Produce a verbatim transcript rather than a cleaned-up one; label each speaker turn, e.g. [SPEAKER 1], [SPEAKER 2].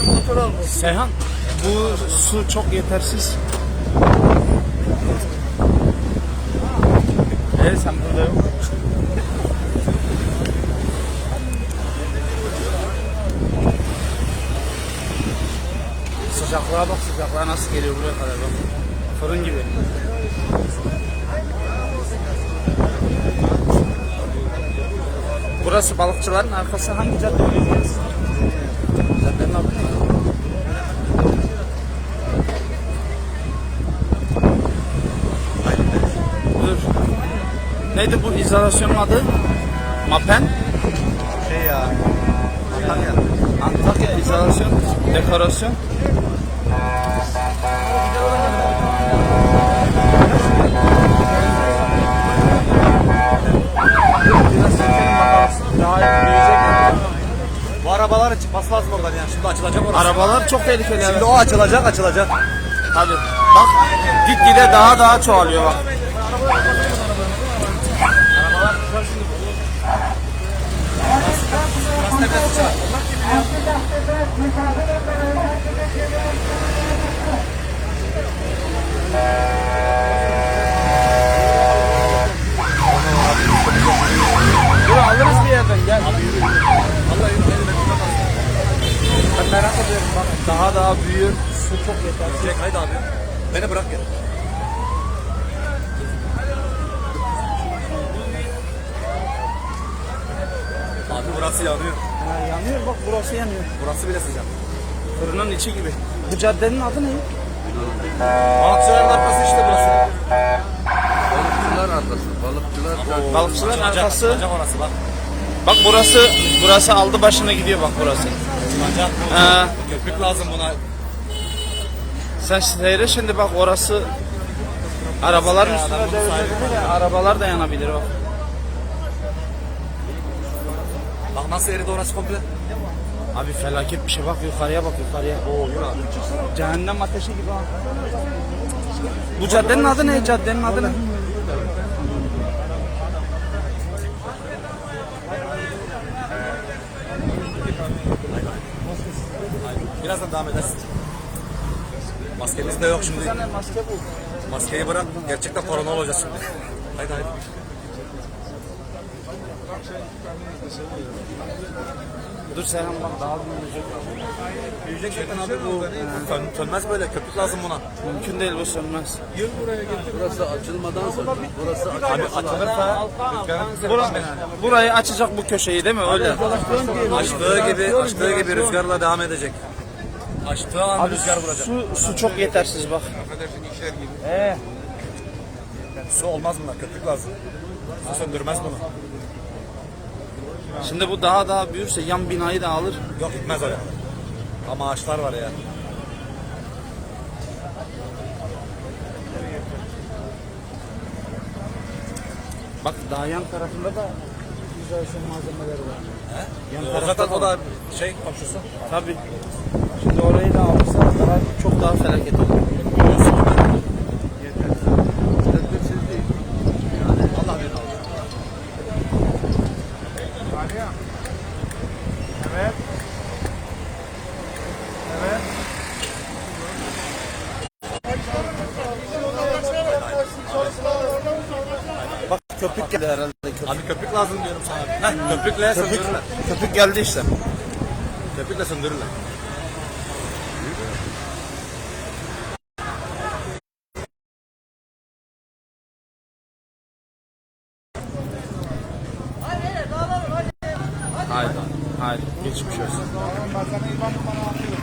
[SPEAKER 1] Seyhan, bu su çok yetersiz. Evet, sen burada yok. Sıcaklığa bak, sıcaklığa nasıl geliyor buraya kadar bak. Fırın gibi. Burası balıkçıların arkası, hangi cadde oluyor? Caddenin adı ne? Dur. Neydi bu izolasyonun adı? Mapen?
[SPEAKER 2] Şey ya. Antalya.
[SPEAKER 1] Antakya izolasyon, dekorasyon. Daha büyüyecek.
[SPEAKER 2] Bu arabaların çıkması lazım oradan yani. Şimdi açılacak orası.
[SPEAKER 1] Arabalar çok tehlikeli.
[SPEAKER 2] Şimdi
[SPEAKER 1] Evet.
[SPEAKER 2] o açılacak, açılacak.
[SPEAKER 1] Hadi. Bak, gitgide daha daha çoğalıyor bak. Dur, alırız bir yerden, gel. Ben merak ediyorum bak. Daha daha büyür. Su çok yetersiz.
[SPEAKER 2] Çek haydi abi. Beni bırak gel. Abi burası yanıyor.
[SPEAKER 1] Ha, yanıyor bak, burası yanıyor.
[SPEAKER 2] Burası bile sıcak.
[SPEAKER 1] Fırının içi gibi. Bu caddenin adı ne?
[SPEAKER 2] Balıkçıların arkası işte burası.
[SPEAKER 3] Balıkçılar arkası, balıkçılar
[SPEAKER 1] Balıkçılar
[SPEAKER 2] Açılacak,
[SPEAKER 1] arkası.
[SPEAKER 2] açılacak orası bak.
[SPEAKER 1] Bak burası, burası aldı başına gidiyor bak burası.
[SPEAKER 2] Açılacak.
[SPEAKER 1] Ha.
[SPEAKER 2] Köpük lazım buna.
[SPEAKER 1] Sen seyre şimdi bak, orası arabalar
[SPEAKER 2] Ya,
[SPEAKER 1] üstüne
[SPEAKER 2] adam bunu
[SPEAKER 1] devrilebilir ya. Arabalar da yanabilir bak.
[SPEAKER 2] Bak nasıl eridi orası komple.
[SPEAKER 1] Abi felaket bir şey, bak yukarıya bak, yukarıya.
[SPEAKER 2] Oo yürü abi.
[SPEAKER 1] Cehennem ateşi gibi ha. Bu caddenin adı ne? Caddenin adı ne?
[SPEAKER 2] Birazdan devam edersin. Maskemiz de yok şimdi.
[SPEAKER 1] Bir tane maske bul.
[SPEAKER 2] Maskeyi bırak. Gerçekten korona olacağız şimdi. Haydi haydi.
[SPEAKER 1] Dur Seyhan, bak daha büyüyecek.
[SPEAKER 2] Büyüyecek zaten abi bu. Tön, tönmez böyle. Köpük lazım buna.
[SPEAKER 1] Mümkün değil, bu sönmez.
[SPEAKER 3] burası açılmadan sonra burası
[SPEAKER 2] Abi açılırsa rüzgarın
[SPEAKER 1] Bura, burayı açacak bu köşeyi değil mi? Öyle.
[SPEAKER 2] açtığı gibi açtığı gibi rüzgarla devam edecek. Açtığı an
[SPEAKER 1] Abi
[SPEAKER 2] rüzgar vuracak.
[SPEAKER 1] su, su çok yetersiz bak. Ee,
[SPEAKER 2] Su olmaz buna. Köpük lazım. Su söndürmez bunu.
[SPEAKER 1] şimdi bu daha daha büyürse yan binayı da alır.
[SPEAKER 2] Yok gitmez oraya. Ama ağaçlar var ya.
[SPEAKER 1] Bak daha yan tarafında da izolasyon malzemeleri var.
[SPEAKER 2] He?
[SPEAKER 1] Yan
[SPEAKER 2] O
[SPEAKER 1] tarafta
[SPEAKER 2] zaten o
[SPEAKER 1] da-
[SPEAKER 2] da şey komşusu.
[SPEAKER 1] Tabii. Şimdi orayı da alırsa daha, çok daha felaket olur.
[SPEAKER 3] tedbirsiz değil.
[SPEAKER 2] Allah bilir alır.
[SPEAKER 1] Evet. Evet. Bak köpük geldi herhalde. Köpük,
[SPEAKER 2] Abi köpük lazım diyorum sana. Heh, köpükle
[SPEAKER 1] köpük,
[SPEAKER 2] söndürürler.
[SPEAKER 1] köpük geldi işte.
[SPEAKER 2] Köpükle söndürürler.
[SPEAKER 1] Haydi. Haydi. Geçmiş olsun.